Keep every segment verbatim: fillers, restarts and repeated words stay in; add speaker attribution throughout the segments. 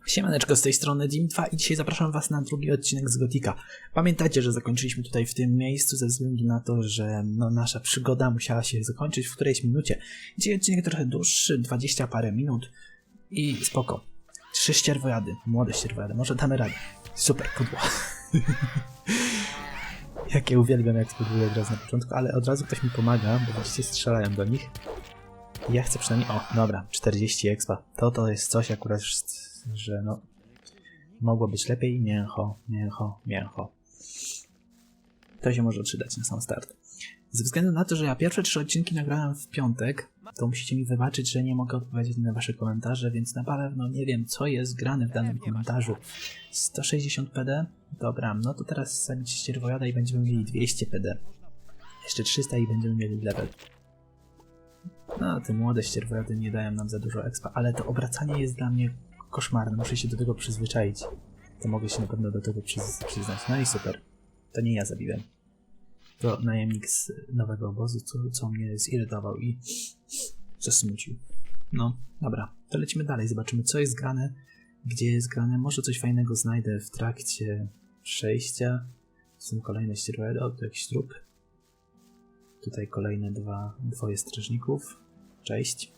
Speaker 1: Siemaneczko, z tej strony Dim dwa i dzisiaj zapraszam was na drugi odcinek z Gotika. Pamiętajcie, że zakończyliśmy tutaj w tym miejscu ze względu na to, że no, nasza przygoda musiała się zakończyć w którejś minucie. Dzisiaj odcinek trochę dłuższy, dwadzieścia parę minut i spoko. Trzy ścierwojady, młode ścierwojady, może damy radę. Super, pudło. Jakie uwielbiam, jak spróbuję od razu na początku, ale od razu ktoś mi pomaga, bo widzicie, strzelają do nich. I ja chcę przynajmniej, o, dobra, czterdzieści expa. To to jest coś akurat, że no, mogło być lepiej. Mięcho, mięcho, mięcho. To się może przydać na sam start. Ze względu na to, że ja pierwsze trzy odcinki nagrałem w piątek, to musicie mi wybaczyć, że nie mogę odpowiedzieć na wasze komentarze, więc na pewno nie wiem, co jest grane w danym komentarzu. sto sześćdziesiąt P D? Dobra, no to teraz zabić ścierwojada i będziemy mieli dwieście P D. Jeszcze trzysta i będziemy mieli level. No, te młode ścierwojady nie dają nam za dużo expa, ale to obracanie jest dla mnie koszmarne, muszę się do tego przyzwyczaić. To mogę się na pewno do tego przyz przyznać. No i super. To nie ja zabiłem. To najemnik z nowego obozu, co, co mnie zirytował i zasmucił. No, dobra. To lecimy dalej, zobaczymy, co jest grane, gdzie jest grane. Może coś fajnego znajdę w trakcie przejścia. Są kolejne ścierwojady, o, tu jakiś trup. Tutaj kolejne dwa, dwoje strażników. Cześć.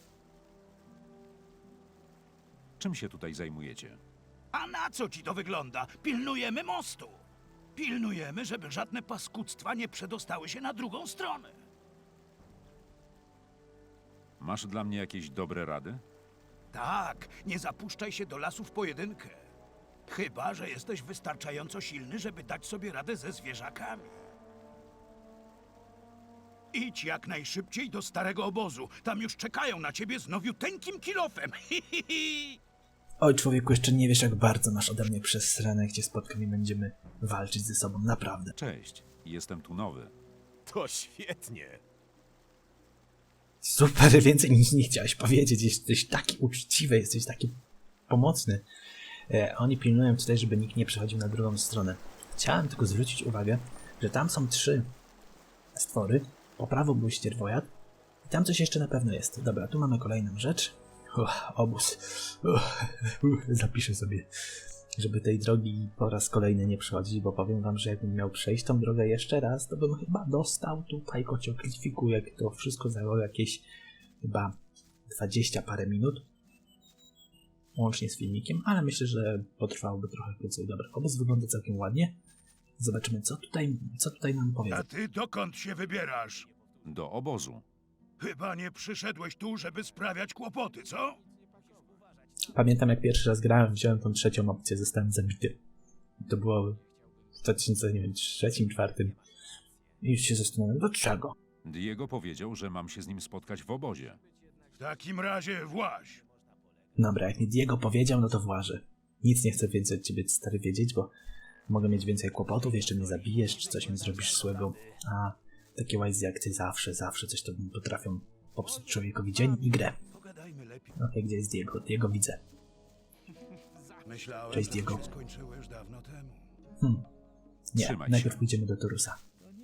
Speaker 2: Czym się tutaj zajmujecie?
Speaker 3: A na co ci to wygląda? Pilnujemy mostu. Pilnujemy, żeby żadne paskudztwa nie przedostały się na drugą stronę.
Speaker 2: Masz dla mnie jakieś dobre rady?
Speaker 3: Tak, nie zapuszczaj się do lasu w pojedynkę. Chyba że jesteś wystarczająco silny, żeby dać sobie radę ze zwierzakami. Idź jak najszybciej do starego obozu. Tam już czekają na ciebie z nowiuteńkim kilofem.
Speaker 1: Oj, człowieku, jeszcze nie wiesz, jak bardzo masz ode mnie przesrane, gdzie spotkam i będziemy walczyć ze sobą, naprawdę.
Speaker 2: Cześć, jestem tu nowy.
Speaker 4: To świetnie.
Speaker 1: Super, więcej niż nie chciałeś powiedzieć. Jesteś taki uczciwy, jesteś taki pomocny. E, oni pilnują tutaj, żeby nikt nie przechodził na drugą stronę. Chciałem tylko zwrócić uwagę, że tam są trzy stwory. Po prawo był ścierwojad. I tam coś jeszcze na pewno jest. Dobra, tu mamy kolejną rzecz. Uch, obóz. Uch, uch, zapiszę sobie, żeby tej drogi po raz kolejny nie przechodzić, bo powiem wam, że jakbym miał przejść tą drogę jeszcze raz, to bym chyba dostał tutaj kocioklitwiku, jak to wszystko zajęło jakieś chyba dwadzieścia parę minut. Łącznie z filmikiem, ale myślę, że potrwałoby trochę krócej. Dobra, obóz wygląda całkiem ładnie. Zobaczymy, co tutaj, co tutaj nam powie.
Speaker 3: A ty dokąd się wybierasz?
Speaker 2: Do obozu.
Speaker 3: Chyba nie przyszedłeś tu, żeby sprawiać kłopoty, co?
Speaker 1: Pamiętam, jak pierwszy raz grałem, wziąłem tą trzecią opcję, zostałem zabity. To było w dwa tysiące trzecim, czwartym. I już się zastanawiam, dlaczego?
Speaker 2: Diego powiedział, że mam się z nim spotkać w obozie.
Speaker 3: W takim razie właź.
Speaker 1: Dobra, jak mi Diego powiedział, no to włażę. Nic nie chcę więcej od ciebie, stary, wiedzieć, bo mogę mieć więcej kłopotów, jeszcze mnie zabijesz, czy coś mi zrobisz złego. A takie łajzy jak ty zawsze, zawsze coś to potrafią popsuć człowiekowi dzień i grę.
Speaker 3: Pogadajmy lepiej.
Speaker 1: Okej, okay, gdzie jest Diego? Diego widzę.
Speaker 3: Myślałem,
Speaker 1: Cześć,
Speaker 3: że
Speaker 1: Diego.
Speaker 3: to się skończyło już dawno temu.
Speaker 1: Hmm. Nie,
Speaker 2: Trzymaj
Speaker 1: najpierw
Speaker 2: się.
Speaker 1: pójdziemy do Torusa.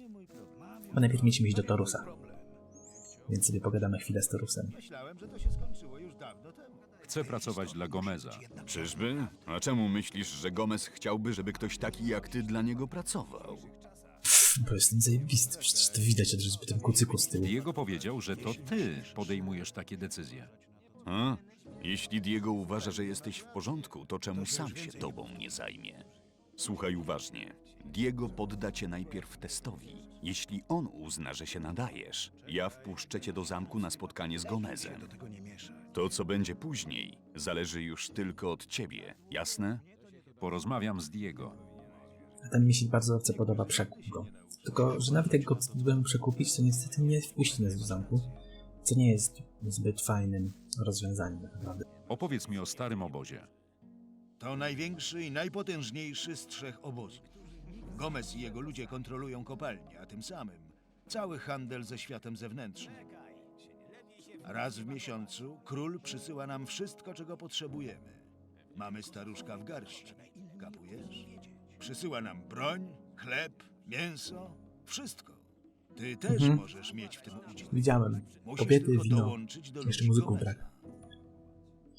Speaker 1: Bo najpierw musimy iść do Torusa. Więc sobie pogadamy chwilę z Torusem.
Speaker 4: Myślałem, że to się skończyło już dawno temu.
Speaker 2: Chcę pracować dla Gomeza.
Speaker 4: Czyżby? A czemu myślisz, że Gomez chciałby, żeby ktoś taki jak ty dla niego pracował?
Speaker 1: Pff, bo jestem zajebisty, przecież to widać od razu po tym kucyku z tyłu.
Speaker 2: Diego powiedział, że to ty podejmujesz takie decyzje.
Speaker 4: A? Jeśli Diego uważa, że jesteś w porządku, to czemu sam się tobą nie zajmie? Słuchaj uważnie. Diego podda cię najpierw testowi. Jeśli on uzna, że się nadajesz, ja wpuszczę cię do zamku na spotkanie z Gomezem.
Speaker 3: Do tego nie mieszaj.
Speaker 4: To, co będzie później, zależy już tylko od ciebie, jasne?
Speaker 2: Porozmawiam z Diego.
Speaker 1: A ten mi się bardzo podoba, przekup go. Tylko, że nawet jak go próbujemy przekupić, to niestety nie wpuści nas do zamku, co nie jest zbyt fajnym rozwiązaniem tak naprawdę.
Speaker 2: Opowiedz mi o starym obozie.
Speaker 5: To największy i najpotężniejszy z trzech obozów. Gomez i jego ludzie kontrolują kopalnię, a tym samym cały handel ze światem zewnętrznym. Raz w miesiącu król przysyła nam wszystko, czego potrzebujemy. Mamy staruszka w garści, kapujesz? Przysyła nam broń, chleb, mięso, wszystko. Ty też
Speaker 1: Mhm.
Speaker 5: możesz mieć w tym udział.
Speaker 1: Widziałem.
Speaker 5: Musisz
Speaker 1: Kobiety,
Speaker 5: tylko
Speaker 1: wino.
Speaker 5: dołączyć do
Speaker 1: Jeszcze
Speaker 5: ludzi
Speaker 1: muzyków
Speaker 5: Gomeza.
Speaker 1: brak.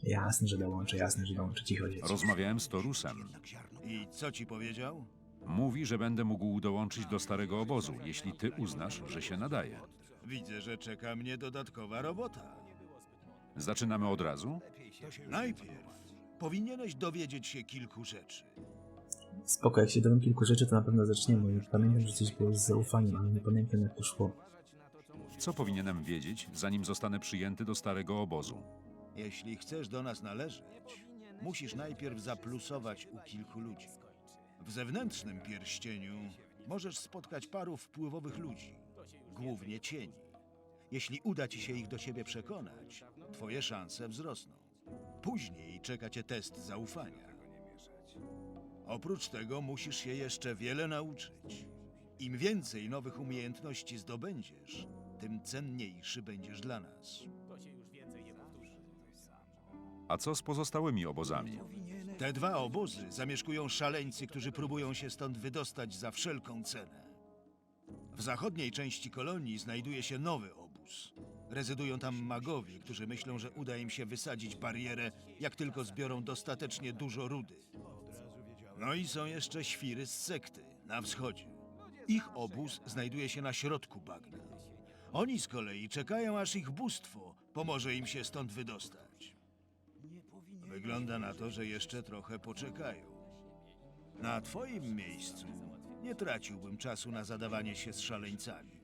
Speaker 1: Jasne, że dołączę, jasne, że dołączę. Cicho dzieci.
Speaker 2: Rozmawiałem z Torusem.
Speaker 5: I co ci powiedział?
Speaker 2: Mówi, że będę mógł dołączyć do starego obozu, jeśli ty uznasz, że się nadaje.
Speaker 5: Widzę, że czeka mnie dodatkowa robota.
Speaker 2: Zaczynamy od razu?
Speaker 5: Najpierw powinieneś dowiedzieć się kilku rzeczy.
Speaker 1: Spoko, jak się dowiem kilku rzeczy, to na pewno zaczniemy. Pamiętam, że coś było z zaufaniem, ale nie pamiętam, jak to szło.
Speaker 2: Co powinienem wiedzieć, zanim zostanę przyjęty do starego obozu?
Speaker 5: Jeśli chcesz do nas należeć, musisz najpierw zaplusować u kilku ludzi. W zewnętrznym pierścieniu możesz spotkać paru wpływowych ludzi, głównie cieni. Jeśli uda ci się ich do siebie przekonać, twoje szanse wzrosną. Później czeka cię test zaufania. Oprócz tego musisz się jeszcze wiele nauczyć. Im więcej nowych umiejętności zdobędziesz, tym cenniejszy będziesz dla nas.
Speaker 2: A co z pozostałymi obozami?
Speaker 5: Te dwa obozy zamieszkują szaleńcy, którzy próbują się stąd wydostać za wszelką cenę. W zachodniej części kolonii znajduje się nowy obóz. Rezydują tam magowie, którzy myślą, że uda im się wysadzić barierę, jak tylko zbiorą dostatecznie dużo rudy. No i są jeszcze świry z sekty na wschodzie. Ich obóz znajduje się na środku bagna. Oni z kolei czekają, aż ich bóstwo pomoże im się stąd wydostać. Wygląda na to, że jeszcze trochę poczekają. Na twoim miejscu nie traciłbym czasu na zadawanie się z szaleńcami.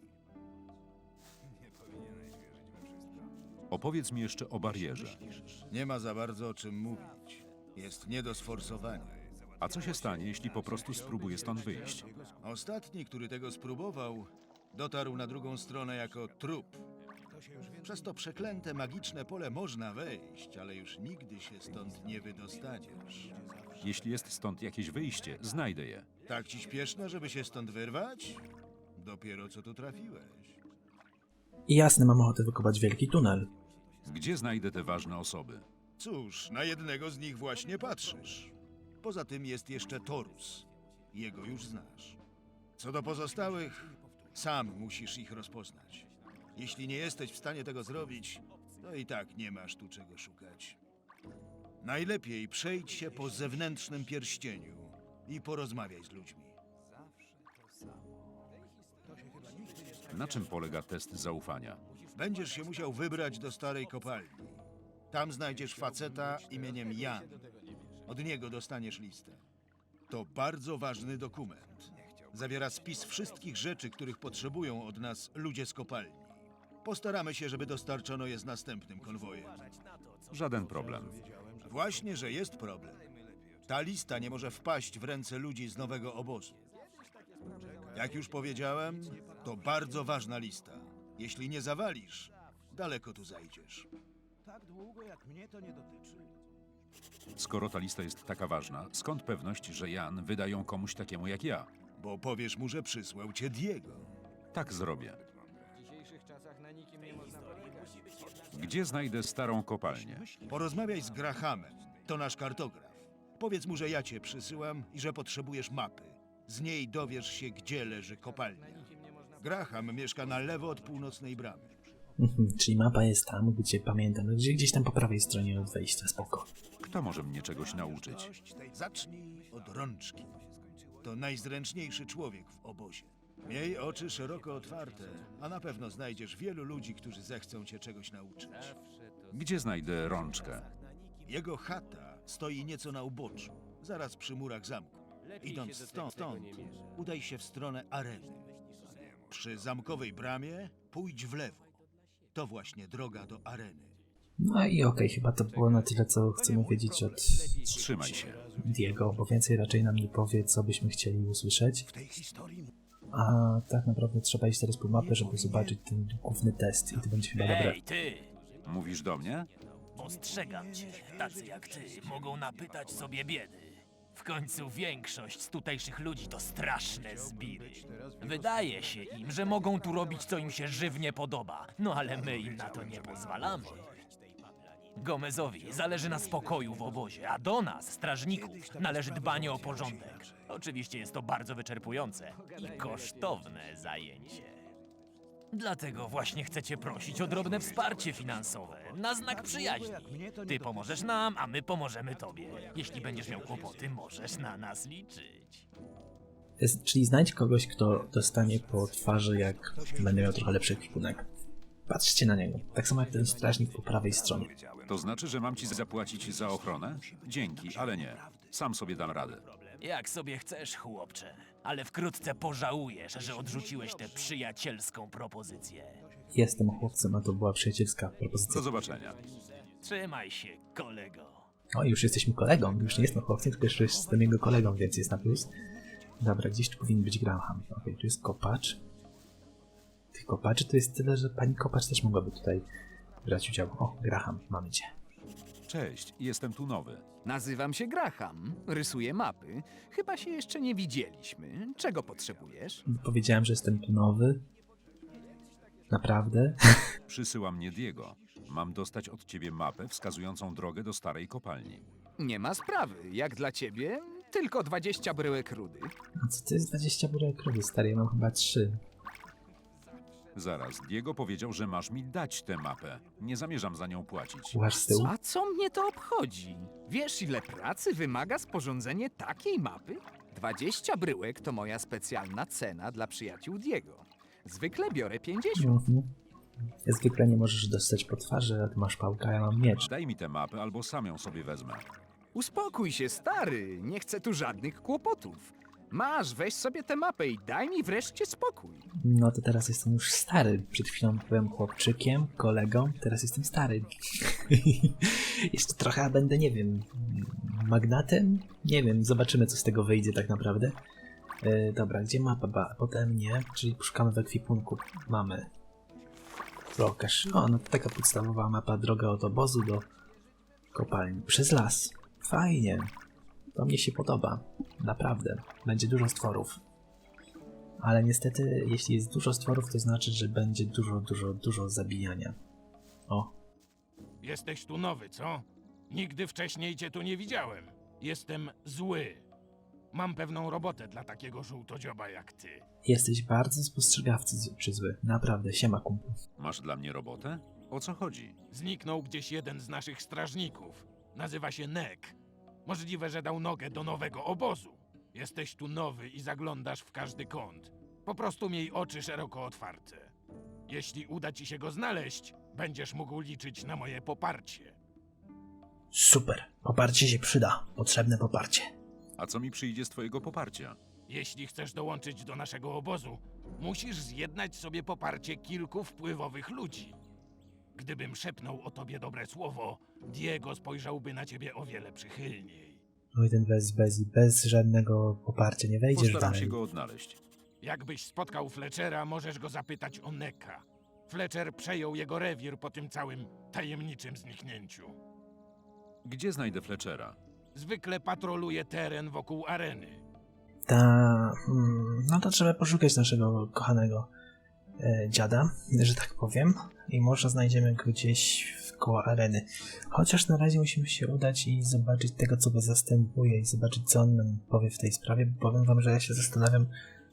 Speaker 2: Opowiedz mi jeszcze o barierze.
Speaker 5: Nie ma za bardzo o czym mówić. Jest nie do sforsowania.
Speaker 2: A co się stanie, jeśli po prostu spróbuję stąd wyjść?
Speaker 5: Ostatni, który tego spróbował, dotarł na drugą stronę jako trup. Przez to przeklęte magiczne pole można wejść, ale już nigdy się stąd nie wydostaniesz.
Speaker 2: Jeśli jest stąd jakieś wyjście, znajdę je.
Speaker 5: Tak ci śpieszno, żeby się stąd wyrwać? Dopiero co tu trafiłeś.
Speaker 1: I jasne, mam ochotę wykopać wielki tunel.
Speaker 2: Gdzie znajdę te ważne osoby?
Speaker 5: Cóż, na jednego z nich właśnie patrzysz. Poza tym jest jeszcze Torus. Jego już znasz. Co do pozostałych, sam musisz ich rozpoznać. Jeśli nie jesteś w stanie tego zrobić, to i tak nie masz tu czego szukać. Najlepiej przejdź się po zewnętrznym pierścieniu i porozmawiaj z ludźmi.
Speaker 2: Na czym polega test zaufania?
Speaker 5: Będziesz się musiał wybrać do starej kopalni. Tam znajdziesz faceta imieniem Jan. Od niego dostaniesz listę. To bardzo ważny dokument. Zawiera spis wszystkich rzeczy, których potrzebują od nas ludzie z kopalni. Postaramy się, żeby dostarczono je z następnym konwojem.
Speaker 2: Żaden problem.
Speaker 5: Właśnie, że jest problem. Ta lista nie może wpaść w ręce ludzi z nowego obozu. Jak już powiedziałem, to bardzo ważna lista. Jeśli nie zawalisz, daleko tu zajdziesz.
Speaker 3: Tak długo jak mnie to nie dotyczy.
Speaker 2: Skoro ta lista jest taka ważna, skąd pewność, że Jan wyda ją komuś takiemu jak ja?
Speaker 5: Bo powiesz mu, że przysłał cię Diego.
Speaker 2: Tak zrobię. Gdzie znajdę starą kopalnię?
Speaker 5: Porozmawiaj z Grahamem, to nasz kartograf. Powiedz mu, że ja cię przysyłam i że potrzebujesz mapy. Z niej dowiesz się, gdzie leży kopalnia. Graham mieszka na lewo od północnej bramy.
Speaker 1: Mhm, czyli mapa jest tam, gdzie pamiętam, gdzie gdzieś tam po prawej stronie od wejścia, spoko.
Speaker 2: Kto może mnie czegoś nauczyć?
Speaker 5: Zacznij od rączki. To najzręczniejszy człowiek w obozie. Miej oczy szeroko otwarte, a na pewno znajdziesz wielu ludzi, którzy zechcą cię czegoś nauczyć.
Speaker 2: Gdzie znajdę rączkę?
Speaker 5: Jego chata stoi nieco na uboczu, zaraz przy murach zamku. Idąc stąd, stąd udaj się w stronę areny. Przy zamkowej bramie pójdź w lewo. To właśnie droga do areny.
Speaker 1: No i okej, chyba to było na tyle, co chcemy wiedzieć od
Speaker 2: Trzymaj się.
Speaker 1: Diego, bo więcej raczej nam nie powie, co byśmy chcieli usłyszeć.
Speaker 3: W tej historii
Speaker 1: A tak naprawdę trzeba iść teraz po mapę, żeby zobaczyć ten główny test i to będzie chyba dobre.
Speaker 6: Ej, ty!
Speaker 2: Mówisz do mnie?
Speaker 6: Ostrzegam cię, tacy jak ty mogą napytać sobie biedy. W końcu większość z tutejszych ludzi to straszne zbiry. Wydaje się im, że mogą tu robić, co im się żywnie podoba, no ale my im na to nie pozwalamy. Gomezowi zależy na spokoju w obozie, a do nas, strażników, należy dbanie o porządek. Oczywiście jest to bardzo wyczerpujące i kosztowne zajęcie. Dlatego właśnie chcecie prosić o drobne wsparcie finansowe, na znak przyjaźni. Ty pomożesz nam, a my pomożemy tobie. Jeśli będziesz miał kłopoty, możesz na nas liczyć.
Speaker 1: Jest, czyli znajdź kogoś, kto dostanie po twarzy, jak będę miał trochę lepszy ekwipunek. Patrzcie na niego. Tak samo jak ten strażnik po prawej stronie.
Speaker 2: To znaczy, że mam ci zapłacić za ochronę? Dzięki, ale nie. Sam sobie dam radę.
Speaker 6: Jak sobie chcesz, chłopcze, ale wkrótce pożałujesz, że odrzuciłeś tę przyjacielską propozycję.
Speaker 1: Jestem chłopcem, a to była przyjacielska propozycja.
Speaker 2: Do zobaczenia.
Speaker 6: Trzymaj się, kolego.
Speaker 1: O, już jesteśmy kolegą. Już nie jestem chłopcem, tylko jeszcze jestem jego kolegą, więc jest na plus. Dobra, gdzieś tu powinien być Graham. Okej, tu jest kopacz. Tych kopaczy to jest tyle, że pani kopacz też mogłaby tutaj brać udział. O, Graham, mamy cię.
Speaker 2: Cześć, jestem tu nowy.
Speaker 7: Nazywam się Graham, rysuję mapy. Chyba się jeszcze nie widzieliśmy. Czego potrzebujesz?
Speaker 1: Powiedziałem, że jestem tu nowy. Naprawdę?
Speaker 2: Przysyła mnie Diego. Mam dostać od ciebie mapę wskazującą drogę do starej kopalni.
Speaker 7: Nie ma sprawy. Jak dla ciebie, tylko dwadzieścia bryłek rudy.
Speaker 1: A co to jest dwadzieścia burek rudy, stary? Ja mam chyba trzy.
Speaker 2: Zaraz, Diego powiedział, że masz mi dać tę mapę. Nie zamierzam za nią płacić.
Speaker 1: Łaż z tyłu?
Speaker 7: A co mnie to obchodzi? Wiesz, ile pracy wymaga sporządzenie takiej mapy? dwadzieścia bryłek to moja specjalna cena dla przyjaciół Diego. Zwykle biorę pięćdziesiąt.
Speaker 1: Mhm. Zwykle nie możesz dostać po twarzy, a ty masz pałkę, a ja mam miecz.
Speaker 2: Daj mi tę mapę, albo sam ją sobie wezmę.
Speaker 7: Uspokój się, stary. Nie chcę tu żadnych kłopotów. Masz, weź sobie tę mapę i daj mi wreszcie spokój.
Speaker 1: No to teraz jestem już stary. Przed chwilą byłem chłopczykiem, kolegą, teraz jestem stary. Jeszcze trochę, a będę, nie wiem, magnatem? Nie wiem, zobaczymy, co z tego wyjdzie tak naprawdę. Yy, dobra, gdzie mapa? Ba, potem nie, czyli szukamy w ekwipunku. Mamy. Pokaż. O, no to taka podstawowa mapa, droga od obozu do kopalni. Przez las. Fajnie. To mnie się podoba. Naprawdę. Będzie dużo stworów. Ale niestety, jeśli jest dużo stworów, to znaczy, że będzie dużo, dużo, dużo zabijania. O,
Speaker 8: Jesteś tu nowy, co? Nigdy wcześniej cię tu nie widziałem. Jestem zły. Mam pewną robotę dla takiego żółtodzioba jak ty.
Speaker 1: jesteś bardzo spostrzegawczy czy zły. Naprawdę, siema kumplu.
Speaker 2: Masz dla mnie robotę? O co chodzi?
Speaker 8: Zniknął gdzieś jeden z naszych strażników. Nazywa się Nek. Możliwe, że dał nogę do nowego obozu. Jesteś tu nowy i zaglądasz w każdy kąt. Po prostu miej oczy szeroko otwarte. Jeśli uda ci się go znaleźć, będziesz mógł liczyć na moje poparcie.
Speaker 1: Super. Poparcie się przyda. Potrzebne poparcie.
Speaker 2: A co mi przyjdzie z twojego poparcia?
Speaker 8: Jeśli chcesz dołączyć do naszego obozu, musisz zjednać sobie poparcie kilku wpływowych ludzi. Gdybym szepnął o tobie dobre słowo, Diego spojrzałby na ciebie o wiele przychylniej.
Speaker 1: No i ten bez, bez, bez żadnego poparcia nie wejdziesz
Speaker 2: Postaram
Speaker 1: dalej.
Speaker 2: się go odnaleźć.
Speaker 8: Jakbyś spotkał Fletchera, możesz go zapytać o Neka. Fletcher przejął jego rewir po tym całym tajemniczym zniknięciu.
Speaker 2: Gdzie znajdę Fletchera?
Speaker 8: Zwykle patroluje teren wokół areny.
Speaker 1: Ta, hmm, no to trzeba poszukać naszego kochanego e, dziada, że tak powiem. I może znajdziemy go gdzieś w koło areny. Chociaż na razie musimy się udać i zobaczyć tego, co go zastępuje i zobaczyć, co on nam powie w tej sprawie. Bo powiem wam, że ja się zastanawiam,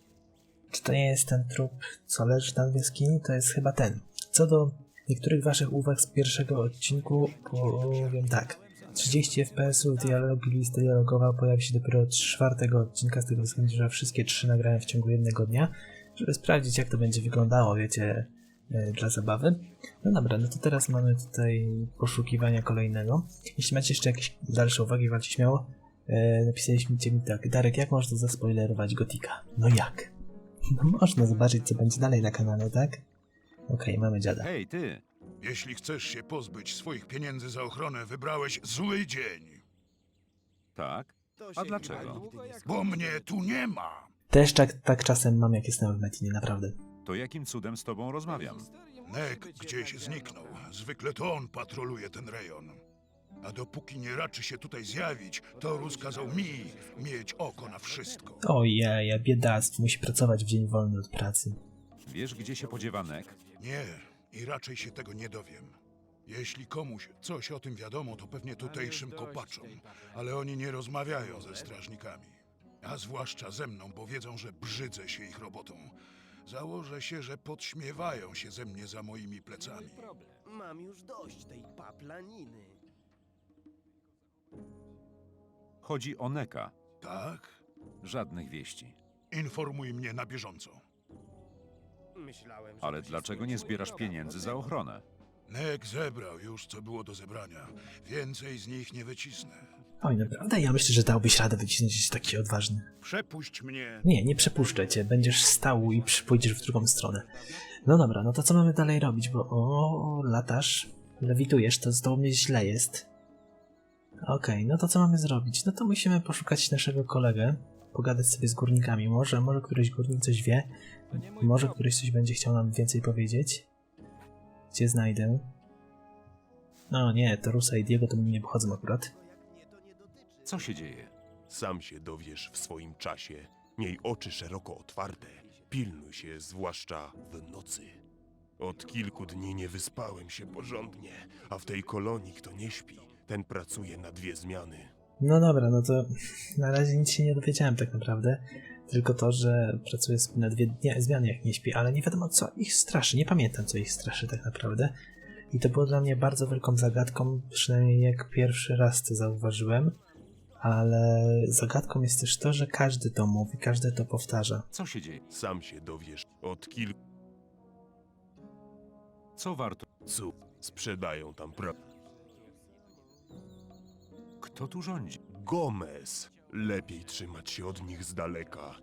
Speaker 1: czy to nie jest ten trup, co leży tam w jaskini, to jest chyba ten. Co do niektórych waszych uwag z pierwszego odcinku, powiem tak. trzydzieści F P S-ów, dialogi, lista dialogowa pojawi się dopiero od czwartego odcinka, z tego względu, że wszystkie trzy nagrałem w ciągu jednego dnia, żeby sprawdzić, jak to będzie wyglądało, wiecie, yy, dla zabawy. No dobra, no to teraz mamy tutaj poszukiwania kolejnego. Jeśli macie jeszcze jakieś dalsze uwagi, walcie śmiało. Yy, napisaliście mi tak: Darek, jak można zaspoilerować Gotika? No jak? No można zobaczyć, co będzie dalej na kanale, tak? Okej, mamy dziada.
Speaker 2: Hej, ty!
Speaker 3: Jeśli chcesz się pozbyć swoich pieniędzy za ochronę, wybrałeś zły dzień.
Speaker 2: Tak? A dlaczego?
Speaker 3: Bo mnie tu nie ma.
Speaker 1: Też tak, tak czasem mam, jak jestem w Metinie, naprawdę.
Speaker 2: To jakim cudem z tobą rozmawiam?
Speaker 3: Nek gdzieś zniknął. Zwykle to on patroluje ten rejon. A dopóki nie raczy się tutaj zjawić, to rozkazał mi mieć oko na wszystko.
Speaker 1: Ojej, biedactwo, musi pracować w dzień wolny od pracy.
Speaker 2: Wiesz, gdzie się podziewa Nek?
Speaker 3: Nie, i raczej się tego nie dowiem. Jeśli komuś coś o tym wiadomo, to pewnie tutejszym kopaczom, ale oni nie rozmawiają ze strażnikami. A zwłaszcza ze mną, bo wiedzą, że brzydzę się ich robotą. Założę się, że podśmiewają się ze mnie za moimi plecami.
Speaker 9: Mam już dość tej paplaniny.
Speaker 2: Chodzi o Neka.
Speaker 3: Tak?
Speaker 2: Żadnych wieści.
Speaker 3: Informuj mnie na bieżąco.
Speaker 9: Myślałem, że
Speaker 2: Ale
Speaker 9: to się
Speaker 2: dlaczego nie
Speaker 9: skończyło
Speaker 2: zbierasz
Speaker 9: rok
Speaker 2: pieniędzy za
Speaker 9: temu.
Speaker 2: ochronę?
Speaker 3: Nek zebrał już, co było do zebrania. Więcej z nich nie wycisnę.
Speaker 1: Oj, naprawdę? Ja myślę, że dałbyś radę wycisnąć taki odważny.
Speaker 3: Przepuść mnie.
Speaker 1: Nie, nie przepuszczę cię. Będziesz stał i przy- pójdziesz w drugą stronę. No dobra, no to co mamy dalej robić? Bo o, latasz, lewitujesz, to z tobą mnie źle jest. Okej, no to co mamy zrobić? No to musimy poszukać naszego kolegę, pogadać sobie z górnikami. Może, może któryś górnik coś wie, może któryś coś będzie chciał nam więcej powiedzieć. Gdzie znajdę? No nie, to Rusa i Diego to mi nie obchodzą akurat.
Speaker 2: Co się dzieje?
Speaker 10: Sam się dowiesz w swoim czasie. Miej oczy szeroko otwarte. Pilnuj się, zwłaszcza w nocy. Od kilku dni nie wyspałem się porządnie, a w tej kolonii kto nie śpi, ten pracuje na dwie zmiany.
Speaker 1: No dobra, no to na razie nic się nie dowiedziałem tak naprawdę. Tylko to, że pracuje sobie na dwie dnia, zmiany jak nie śpi, ale nie wiadomo co ich straszy. Nie pamiętam co ich straszy tak naprawdę. I to było dla mnie bardzo wielką zagadką, przynajmniej jak pierwszy raz to zauważyłem. Ale zagadką jest też to, że każdy to mówi, każdy to powtarza.
Speaker 2: Co się dzieje?
Speaker 10: Sam się dowiesz. Od kilku
Speaker 2: Co warto?
Speaker 10: cu sprzedają tam pra...
Speaker 2: Kto tu rządzi?
Speaker 10: Gomez. Lepiej trzymać się od nich z daleka.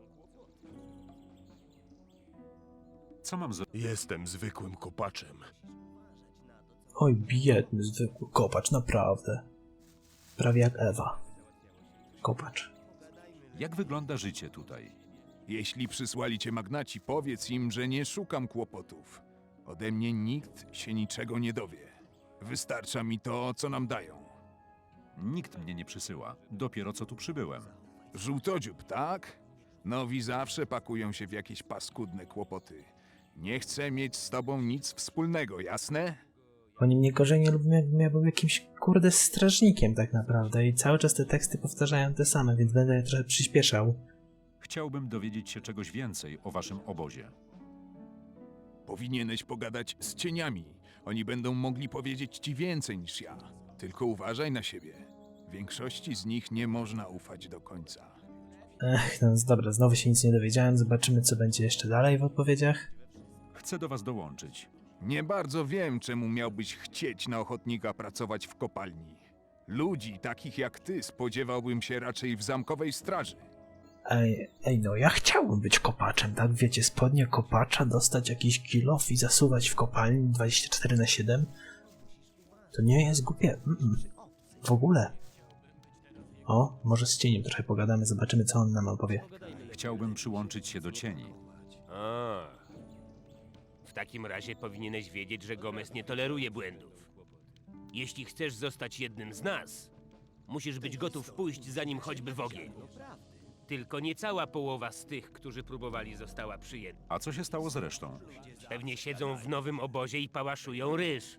Speaker 2: Co mam za...
Speaker 10: Jestem zwykłym kopaczem.
Speaker 1: Oj, biedny, zwykły kopacz, naprawdę. Prawie jak Ewa. Kopacz.
Speaker 2: Jak wygląda życie tutaj?
Speaker 7: Jeśli przysłali cię magnaci, powiedz im, że nie szukam kłopotów. Ode mnie nikt się niczego nie dowie. Wystarcza mi to, co nam dają.
Speaker 2: Nikt mnie nie przysyła. Dopiero co tu przybyłem.
Speaker 7: Żółtodziób, tak? Nowi zawsze pakują się w jakieś paskudne kłopoty. Nie chcę mieć z tobą nic wspólnego, jasne?
Speaker 1: Oni mnie gorzej nie lubią, jakbym ja był jakimś kurde strażnikiem tak naprawdę i cały czas te teksty powtarzają te same, więc będę je trochę przyspieszał.
Speaker 2: Chciałbym dowiedzieć się czegoś więcej o waszym obozie.
Speaker 7: Powinieneś pogadać z cieniami. Oni będą mogli powiedzieć ci więcej niż ja. Tylko uważaj na siebie. Większości z nich nie można ufać do końca.
Speaker 1: Ech, no dobra, znowu się nic nie dowiedziałem, zobaczymy co będzie jeszcze dalej w odpowiedziach.
Speaker 2: Chcę do was dołączyć.
Speaker 7: Nie bardzo wiem, czemu miałbyś chcieć na ochotnika pracować w kopalni. Ludzi takich jak ty spodziewałbym się raczej w zamkowej straży.
Speaker 1: Ej, ej, no ja chciałbym być kopaczem, tak? Wiecie, spodnie kopacza, dostać jakiś kilof i zasuwać w kopalni dwadzieścia cztery na siedem. To nie jest głupie. Mm-mm. W ogóle. O, może z cieniem trochę pogadamy, zobaczymy co on nam opowie.
Speaker 2: Chciałbym przyłączyć się do cieni.
Speaker 9: A. W takim razie powinieneś wiedzieć, że Gomez nie toleruje błędów. Jeśli chcesz zostać jednym z nas, musisz być gotów pójść za nim choćby w ogień. Tylko nie cała połowa z tych, którzy próbowali, została przyjęta.
Speaker 2: A co się stało z resztą?
Speaker 9: Pewnie siedzą w nowym obozie i pałaszują ryż.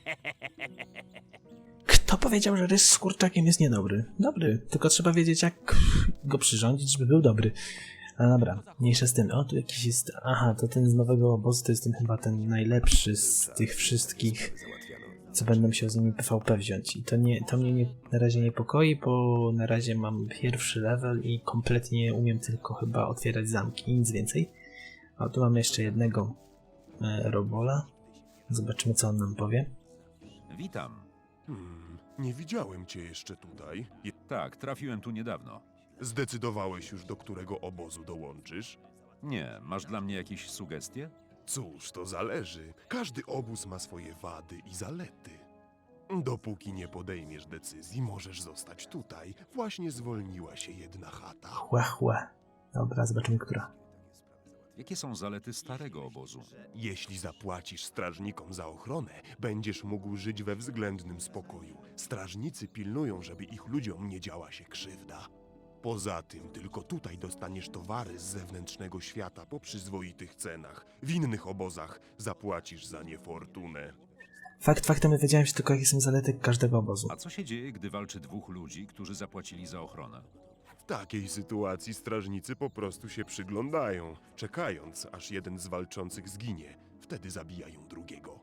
Speaker 1: Kto powiedział, że rys z kurczakiem jest niedobry? Dobry, tylko trzeba wiedzieć jak go przyrządzić, żeby był dobry. Ale dobra, mniejsza z tym. O, tu jakiś jest... Aha, to ten z nowego obozu to jest ten chyba ten najlepszy z tych wszystkich, co będę musiał z nimi P V P wziąć. I to, nie, to mnie nie, na razie niepokoi, bo na razie mam pierwszy level i kompletnie umiem tylko chyba otwierać zamki, nic więcej. A tu mamy jeszcze jednego e, robola. Zobaczymy co on nam powie.
Speaker 2: Witam.
Speaker 10: Hmm, nie widziałem cię jeszcze tutaj. Je-
Speaker 2: Tak, trafiłem tu niedawno.
Speaker 10: Zdecydowałeś już, do którego obozu dołączysz?
Speaker 2: Nie, masz dla mnie jakieś sugestie?
Speaker 10: Cóż, to zależy. Każdy obóz ma swoje wady i zalety. Dopóki nie podejmiesz decyzji, możesz zostać tutaj. Właśnie zwolniła się jedna chata.
Speaker 1: Chłe, chłe. Dobra, zobaczymy która.
Speaker 2: Jakie są zalety starego obozu?
Speaker 10: Jeśli zapłacisz strażnikom za ochronę, będziesz mógł żyć we względnym spokoju. Strażnicy pilnują, żeby ich ludziom nie działa się krzywda. Poza tym, tylko tutaj dostaniesz towary z zewnętrznego świata po przyzwoitych cenach. W innych obozach zapłacisz za nie fortunę.
Speaker 1: Fakt faktem dowiedziałem się tylko jakie są zalety każdego obozu.
Speaker 2: A co się dzieje, gdy walczy dwóch ludzi, którzy zapłacili za ochronę?
Speaker 10: takiej sytuacji strażnicy po prostu się przyglądają, czekając, aż jeden z walczących zginie. Wtedy zabijają drugiego.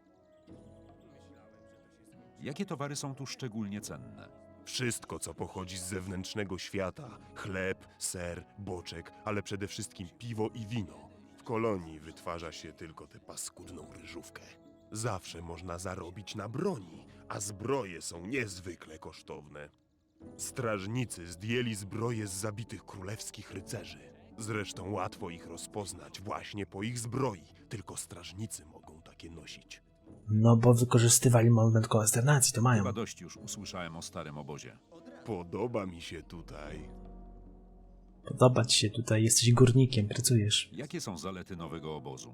Speaker 2: Jakie towary są tu szczególnie cenne?
Speaker 10: Wszystko, co pochodzi z zewnętrznego świata. Chleb, ser, boczek, ale przede wszystkim piwo i wino. W kolonii wytwarza się tylko tę paskudną ryżówkę. Zawsze można zarobić na broni, a zbroje są niezwykle kosztowne. Strażnicy zdjęli zbroje z zabitych królewskich rycerzy. Zresztą łatwo ich rozpoznać właśnie po ich zbroi. Tylko strażnicy mogą takie nosić.
Speaker 1: No bo wykorzystywali moment konsternacji, to mają.
Speaker 2: Chyba dość już usłyszałem o starym obozie.
Speaker 10: Podoba mi się tutaj.
Speaker 1: Podoba ci się tutaj, jesteś górnikiem, pracujesz.
Speaker 2: Jakie są zalety nowego obozu?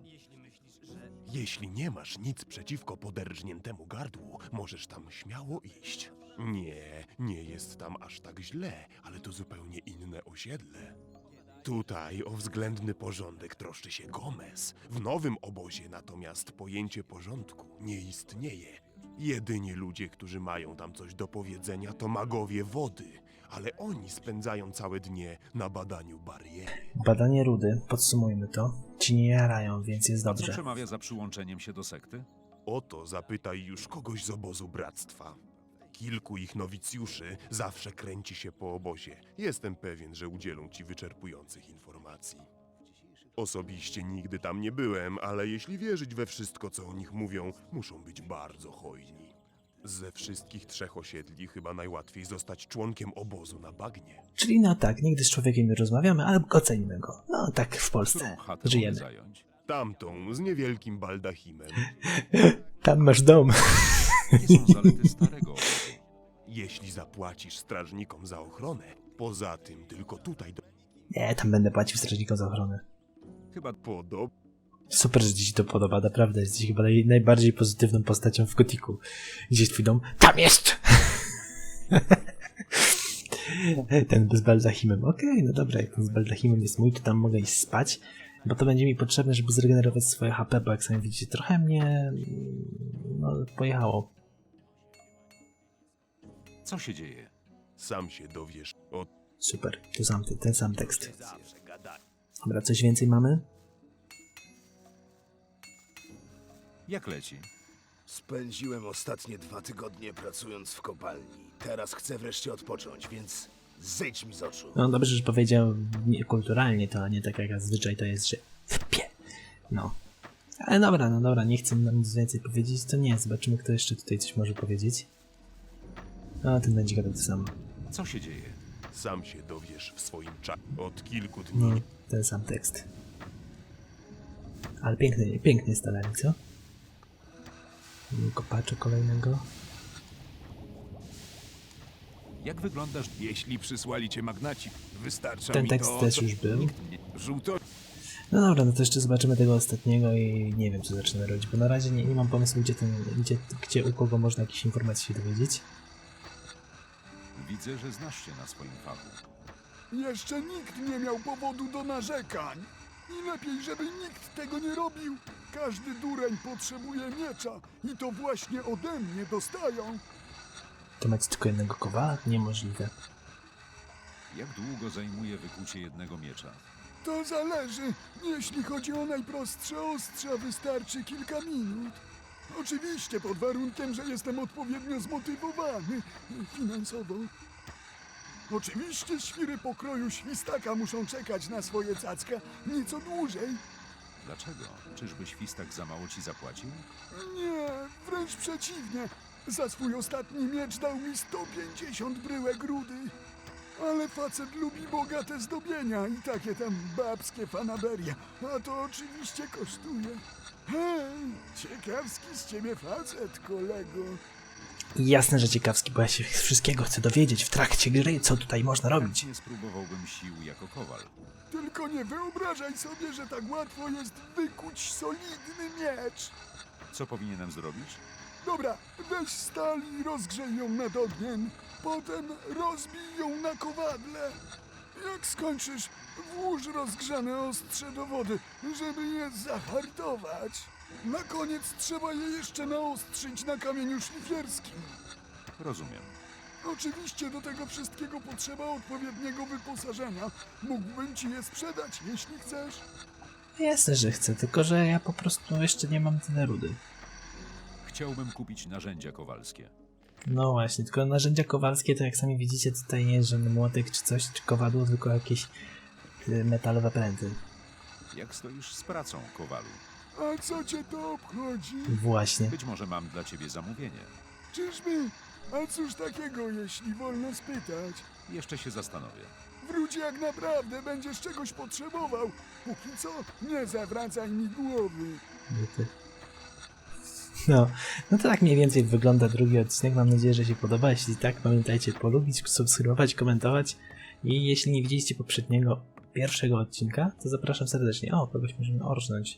Speaker 10: Jeśli nie masz nic przeciwko poderżniętemu gardłu, możesz tam śmiało iść. Nie, nie jest tam aż tak źle, ale to zupełnie inne osiedle. Tutaj o względny porządek troszczy się Gomez. W nowym obozie natomiast pojęcie porządku nie istnieje. Jedyni ludzie, którzy mają tam coś do powiedzenia, to magowie wody, ale oni spędzają całe dnie na badaniu bariery.
Speaker 1: Badanie rudy, podsumujmy to. Ci nie jarają, więc jest
Speaker 2: Co
Speaker 1: dobrze.
Speaker 2: przemawia za przyłączeniem się do sekty?
Speaker 10: O to zapytaj już kogoś z obozu bractwa. Kilku ich nowicjuszy zawsze kręci się po obozie. Jestem pewien, że udzielą ci wyczerpujących informacji. Osobiście nigdy tam nie byłem, ale jeśli wierzyć we wszystko, co o nich mówią, muszą być bardzo hojni. Ze wszystkich trzech osiedli chyba najłatwiej zostać członkiem obozu na bagnie.
Speaker 1: Czyli no tak, nigdy z człowiekiem nie rozmawiamy, ale ocenimy go. No tak w Polsce
Speaker 2: Którą chatę mogę
Speaker 1: żyjemy.
Speaker 2: zająć?
Speaker 10: Tamtą, z niewielkim baldachimem.
Speaker 1: Tam masz dom.
Speaker 2: Jakie są zalety starego obozu?
Speaker 10: Jeśli zapłacisz strażnikom za ochronę, poza tym tylko tutaj do...
Speaker 1: Nie, tam będę płacił strażnikom za ochronę.
Speaker 2: Chyba
Speaker 10: Podob...
Speaker 1: Super, że ci się to podoba, naprawdę. Jesteś chyba naj, najbardziej pozytywną postacią w Gotiku. Gdzie jest twój dom? Tam jest! Ten z baldachimem. Okej, okay, no dobra, jak ten z baldachimem jest mój, to tam mogę iść spać, bo to będzie mi potrzebne, żeby zregenerować swoje H P, bo jak sami widzicie, trochę mnie no, pojechało.
Speaker 2: co się dzieje?
Speaker 10: Sam się dowiesz o...
Speaker 1: Super, to sam, ten sam tekst. Dobra, coś więcej mamy?
Speaker 2: Jak leci?
Speaker 5: Spędziłem ostatnie dwa tygodnie pracując w kopalni. Teraz chcę wreszcie odpocząć, więc zejdź mi z oczu.
Speaker 1: No dobrze, że powiedział niekulturalnie to, a nie tak jak zazwyczaj to jest, że wpie. No. Ale dobra, no dobra, nie chcę nam nic więcej powiedzieć, to nie, zobaczymy kto jeszcze tutaj coś może powiedzieć. No, ten będzie gadał to samo.
Speaker 2: Co się dzieje?
Speaker 10: Sam się dowiesz w swoim czasie. Od kilku dni...
Speaker 1: No, ten sam tekst. Ale piękny, piękny jest talent, co? Kopacza kolejnego.
Speaker 2: Jak wyglądasz?
Speaker 4: Jeśli przysłali cię magnaci, wystarcza
Speaker 1: Ten
Speaker 4: mi
Speaker 1: tekst
Speaker 4: to,
Speaker 1: też
Speaker 4: co-
Speaker 1: już był.
Speaker 4: Nie- Żółto...
Speaker 1: No dobra, no to jeszcze zobaczymy tego ostatniego i nie wiem co zaczynamy robić, bo na razie nie, nie mam pomysłu gdzie, ten, gdzie, gdzie u kogo można jakieś informacje się dowiedzieć.
Speaker 2: Widzę, że znasz się na swoim fachu.
Speaker 3: Jeszcze nikt nie miał powodu do narzekań. I lepiej, żeby nikt tego nie robił. Każdy dureń potrzebuje miecza i to właśnie ode mnie dostają.
Speaker 1: To macie tylko jednego kowala? Niemożliwe.
Speaker 2: Jak długo zajmuje wykucie jednego miecza?
Speaker 3: To zależy. Jeśli chodzi o najprostsze ostrza, wystarczy kilka minut. Oczywiście pod warunkiem, że jestem odpowiednio zmotywowany finansowo. Oczywiście świry pokroju świstaka muszą czekać na swoje cacka nieco dłużej.
Speaker 2: Dlaczego? Czyżby Świstak za mało ci zapłacił?
Speaker 3: Nie, wręcz przeciwnie. Za swój ostatni miecz dał mi sto pięćdziesiąt bryłek rudy. Ale facet lubi bogate zdobienia i takie tam babskie fanaberia. A to oczywiście kosztuje. Hej, ciekawski z ciebie facet, kolego.
Speaker 1: Jasne, że ciekawski, bo ja się wszystkiego chcę dowiedzieć w trakcie gry, co tutaj można robić.
Speaker 2: Nie spróbowałbym sił jako kowal.
Speaker 3: Tylko nie wyobrażaj sobie, że tak łatwo jest wykuć solidny miecz.
Speaker 2: Co powinienem zrobić?
Speaker 3: Dobra, weź stal i rozgrzej ją nad ogniem. Potem rozbij ją na kowadle. Jak skończysz, włóż rozgrzane ostrze do wody, żeby je zahartować. Na koniec trzeba je jeszcze naostrzyć na kamieniu szlifierskim.
Speaker 2: Rozumiem.
Speaker 3: Oczywiście do tego wszystkiego potrzeba odpowiedniego wyposażenia. Mógłbym ci je sprzedać, jeśli chcesz.
Speaker 1: Jasne, że chcę, tylko że ja po prostu jeszcze nie mam tyle rudy.
Speaker 2: Chciałbym kupić narzędzia kowalskie.
Speaker 1: No właśnie, tylko narzędzia kowalskie to jak sami widzicie tutaj nie jest żaden młotek czy coś, czy kowadło, tylko jakieś y, metalowe pręty.
Speaker 2: Jak stoisz z pracą, kowalu?
Speaker 3: A co cię to obchodzi?
Speaker 1: Właśnie.
Speaker 2: Być może mam dla ciebie zamówienie.
Speaker 3: Czyżby? A cóż takiego, jeśli wolno spytać?
Speaker 2: Jeszcze się zastanowię.
Speaker 3: Wróć jak naprawdę będziesz czegoś potrzebował. Póki co, nie zawracaj mi głowy.
Speaker 1: Byty. No, no to tak mniej więcej wygląda drugi odcinek. Mam nadzieję, że się podoba. Jeśli tak, pamiętajcie polubić, subskrybować, komentować. I jeśli nie widzieliście poprzedniego, pierwszego odcinka, to zapraszam serdecznie. O, kogoś możemy orznąć.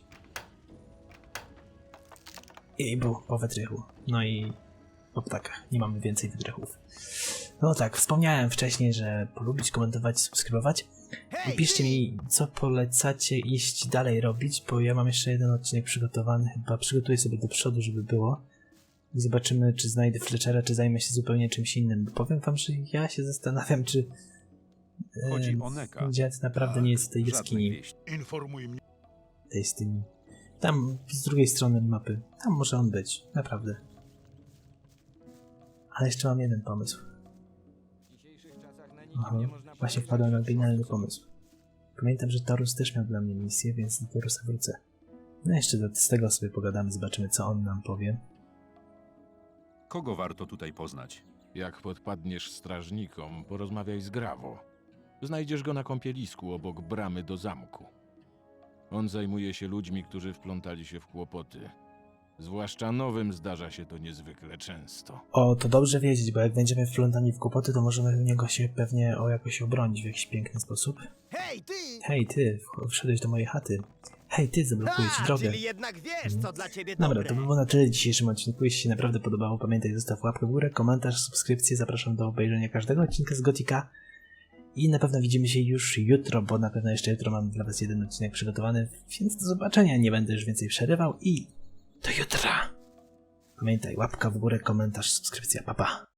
Speaker 1: I był po wytrychu. No i po ptakach. Nie mamy więcej wytrychów. No tak, wspomniałem wcześniej, że polubić, komentować, subskrybować. I piszcie mi, co polecacie iść dalej robić, bo ja mam jeszcze jeden odcinek przygotowany. Chyba przygotuję sobie do przodu, żeby było. I zobaczymy, czy znajdę Fletchera, czy zajmę się zupełnie czymś innym. Bo powiem wam, że ja się zastanawiam, czy
Speaker 2: Chodzi o Neka.
Speaker 1: dziad naprawdę nie jest w tej
Speaker 2: Żadnej
Speaker 1: jaskini.
Speaker 2: wieści.
Speaker 8: Informuj mnie.
Speaker 1: Tej z tymi. Tam, z drugiej strony mapy. Tam może on być, naprawdę. Ale jeszcze mam jeden pomysł. Aha, właśnie wpadłem na genialny pomysł. Pamiętam, że Torus też miał dla mnie misję, więc do Torusa wrócę. No jeszcze do, z tego sobie pogadamy, zobaczymy, co on nam powie.
Speaker 2: Kogo warto tutaj poznać?
Speaker 8: Jak podpadniesz strażnikom, porozmawiaj z Grawo. Znajdziesz go na kąpielisku obok bramy do zamku. On zajmuje się ludźmi, którzy wplątali się w kłopoty. Zwłaszcza nowym zdarza się to niezwykle często.
Speaker 1: O, to dobrze wiedzieć, bo jak będziemy wplątani w kłopoty, to możemy u niego się pewnie o jakoś obronić w jakiś piękny sposób.
Speaker 11: Hej, ty!
Speaker 1: Hej, ty, w- wszedłeś do mojej chaty. Hej, ty, zablokuję ci
Speaker 11: A,
Speaker 1: drogę.
Speaker 11: czyli jednak wiesz, co dla ciebie
Speaker 1: Dobra,
Speaker 11: dobre.
Speaker 1: to by było na tyle w dzisiejszym odcinku. Jeśli się naprawdę podobało, pamiętaj, zostaw łapkę w górę, komentarz, subskrypcję. Zapraszam do obejrzenia każdego odcinka z Gotika. I na pewno widzimy się już jutro, bo na pewno jeszcze jutro mam dla was jeden odcinek przygotowany. Więc do zobaczenia, nie będę już więcej przerywał i do jutra. Pamiętaj, łapka w górę, komentarz, subskrypcja, pa pa.